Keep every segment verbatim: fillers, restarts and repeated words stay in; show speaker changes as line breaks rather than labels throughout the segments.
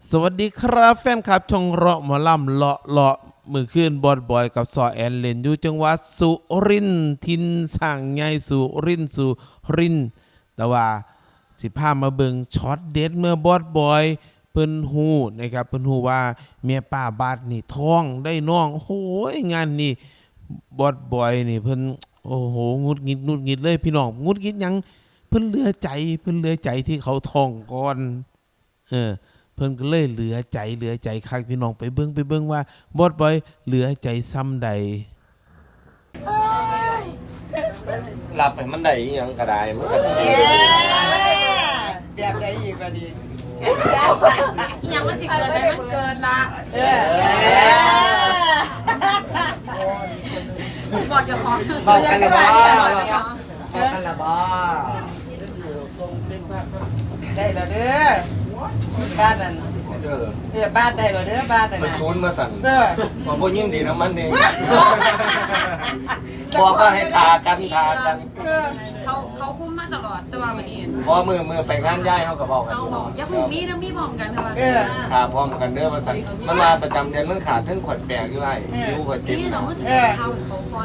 สวัสดีครับแฟนคลับช่องเราะหมอลำเลาะเลาะมือขึ้นบอดบอยกับซอแอนเลนอยู่จังหวัดสุรินทร์ทินสั่งไงสุรินทร์สุรินทร์แต่ว่าสิพามาเบิงช็อตเด็ดเมื่อบอดบอยเพิ่นฮู้นะครับเพิ่นฮู้ว่าเมียป้าบาดนี่ท้องได้น้องโอ้โหงานนี่บอดบอยนี่เพิ่นโอ้โหงุดงิดงุดงิดเลยพี่น้องงุดงิดยังเพิ่นเหลือใจเพิ่นเหลือใจที่เขาท้องก่อนเออเพิ่นก็เลยเหลือใจเหลือใจคักพี่น้องไปเบิ่งไปเบิ่งว่าบอสบอยเหลือใจซ้ำใด
หลับให้มันได้อีหยังก็ได้มันก็ดี
แบบไหนอีกก็ดี
อีหยังมันสิเกิดอะไรมันเกิดละบอกจะพอ
บอกกันละบ่บอกกันละบ่
ได้แล้วเด้อบ้านนั่นเด้อเด้อบ้านได้แล้วเด้อบ้านนั่น
ไปศูนย์มาสั่น
เด้อ
มาบ่ยินดีนะมันเองบอกก็ให้ทากันทากัน
เขาเขาคุ้มมาตลอดแต่ว่าวันนี้
พอมือมือไปงานย้ายเฮาก็บอกกัน
เราบอกอย่าพึ่งมีนะมีพร้อมกันค่ะว่า
ขาพร้อมกันเด้อมาสั่นมันมาประจำเดือนมันขาดทั้งขวดแปลกอยู่ไอ้ซิวขวดเต็ม
นี่เรา
เนาะ
ก็ถึงเข้าเขาคอน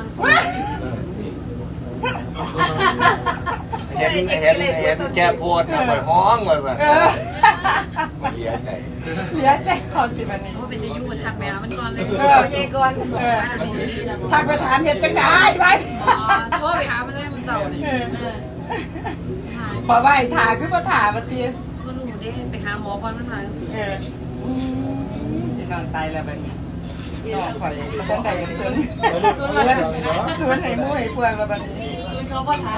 เห็นเห็นเห็นแกโพดนะข่อยฮ้องว่าสั่นมันเสียใจ
เสียใจก่อนสิบัดนี้
เพราะเป็นอายุทักแม่มันก่อนเลย
เออเย่ก่อนเออทักไปถามเฮ็ดจังได๋ไว้
โทรไปหามันเลยมันเศร้าเลยเออ
พอไว้ถาคือบ่ถาบ่ติ
ก็รู้ได้ไปหาหมอก่อนมันมาสิ
เออพี่น้องตายแล้วบัดนี้น้องข่อยบ่ได้อย่างสวนสวนสวนให้หมู่ให้พวกแล้วบัดนี้
ช่วยเขาบ่ทัน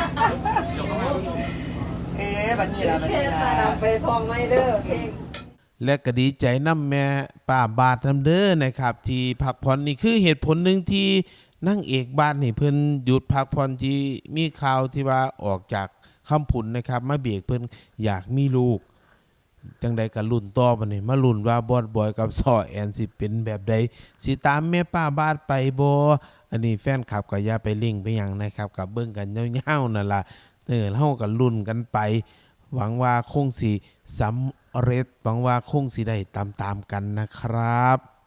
เอ๊ะบัดนี้ล่ะบัดนี้ล่ะไปทองไม้เด้อเพลง
และก็ดีใจน้ำแม่ป้าบาดน้ำเด้อนะครับที่พักผ่อนนี่คือเหตุผลหนึ่งที่นั่งเอกบ้านนี่เพิ่นหยุดพักผ่อนที่มีข่าวที่ว่าออกจากคำผุนนะครับมาเบียกเพิ่นอยากมีลูกจังใดกับรุ่นต่อมาเนี่ยมารุ่นว่าบอดบอยกับซอแอนสิเป็นแบบใดสิตามแม่ป้าบาดไปบ่อันนี้แฟนคลับก็อย่าไปลิงก์ไปหยังนะครับกับเบิ่งกันยาวๆนั่นล่ะเออเฮาก็ลุ้นกันไปหวังว่าคงสิสำเร็จหวังว่าคงสิได้ตามๆกันนะครับ